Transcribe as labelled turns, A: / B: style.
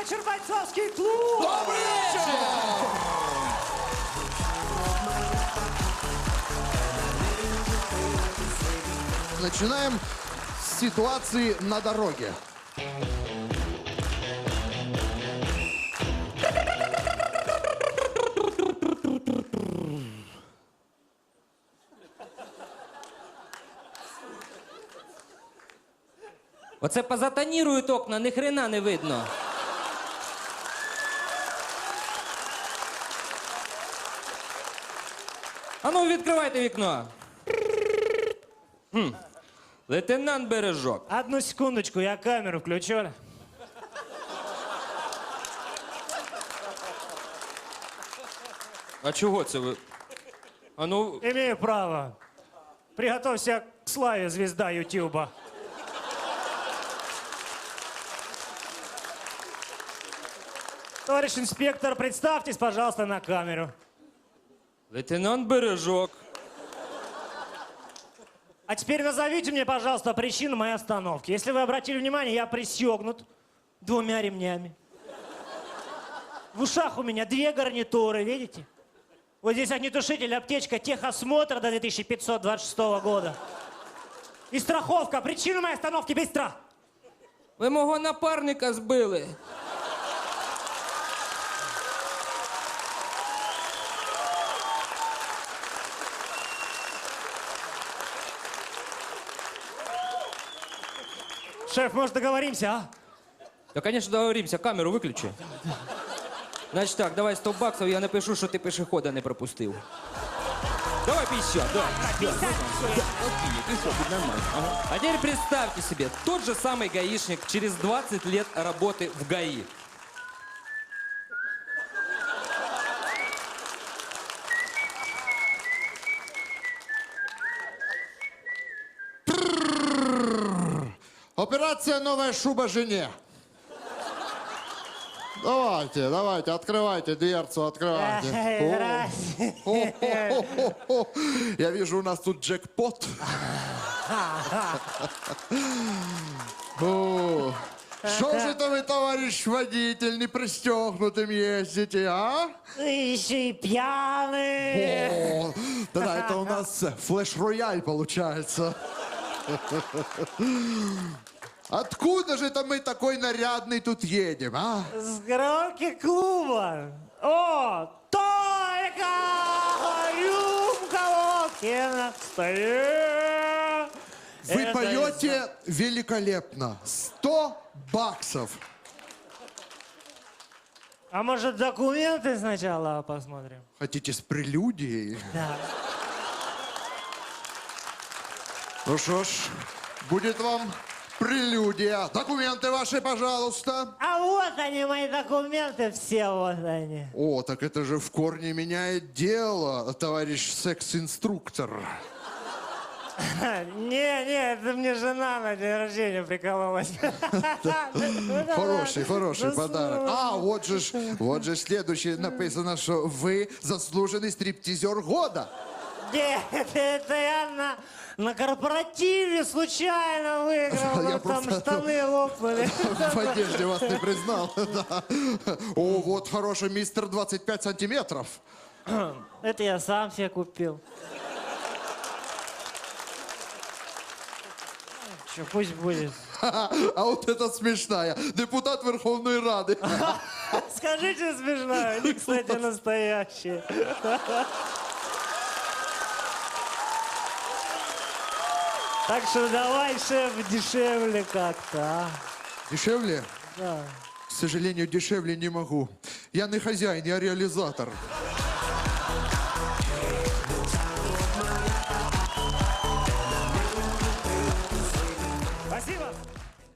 A: вечер, бойцовский клуб!
B: Добрый вечер!
C: Начинаем с ситуации на дороге.
B: Оце позатонірують окна, ні хрена не видно. А ну, відкривайте вікно. Лейтенант Бережок.
A: Одну секундочку, я камеру включу.
B: А чого це ви? А ну,
A: Имею право. Приготовься к славе, звезда Ютуба. Товарищ инспектор, представьтесь, пожалуйста, на камеру.
B: лейтенант Бережок.
A: А теперь назовите мне, пожалуйста, причину моей остановки. Если вы обратили внимание, я пристегнут 2 ремнями. В ушах у меня 2 гарнитуры, видите? Вот здесь огнетушитель, аптечка, техосмотр до 2526 года. И страховка. Причина моей остановки быстро.
B: Ви мого напарника збили.
A: Шеф, может, договоримся, а?
B: Да, конечно, договоримся. Камеру виключи. Значить так, давай 100 баксов, я напишу, що ти пешехода не пропустив. Давай 50, да.
A: 50?
B: Окей, 50, будет нормально. Ага. А теперь представьте себе, тот же самый гаишник через 20 лет работы в ГАИ.
C: Операция «Новая шуба жене». Давайте, давайте, открывайте дверцу, открывайте.
A: Здрасте.
C: О. Я вижу, у нас тут джекпот. О, Что же это вы, товарищ водитель, не пристегнутым ездите, а?
A: Еще и пьяный.
C: О, да, это у нас флеш-рояль получается. Откуда же это мы такой нарядный тут едем, а?
A: С громки клуба. О, только рюмка водки на столе.
C: Вы
A: Это
C: поете великолепно. 100 баксов.
A: А может, документы сначала посмотрим?
C: Хотите с прелюдией?
A: Да.
C: Ну что ж, будет вам прелюдия. Документы ваши, пожалуйста.
A: А вот они, мои документы, все вот они.
C: О, так это же в корне меняет дело, товарищ секс-инструктор.
A: Не, это мне жена на день рождения прикололась.
C: Хороший подарок. А, вот же следующее написано, что вы заслуженный стриптизер года.
A: Нет, это я на корпоративе случайно выиграл.
C: Я
A: Вот там
C: просто-
A: штаны лопнули.
C: В одежде вас не признал. Да. О, вот хороший мистер 25 сантиметров.
A: Это я сам себе купил. Че, пусть будет.
C: А вот это смешная. Депутат Верховной Рады.
A: Скажите смешно, они, кстати, настоящие. Так что давай, шеф, дешевле как-то, а?
C: Дешевле?
A: Да.
C: К сожалению, дешевле не могу. Я не хозяин, я реализатор.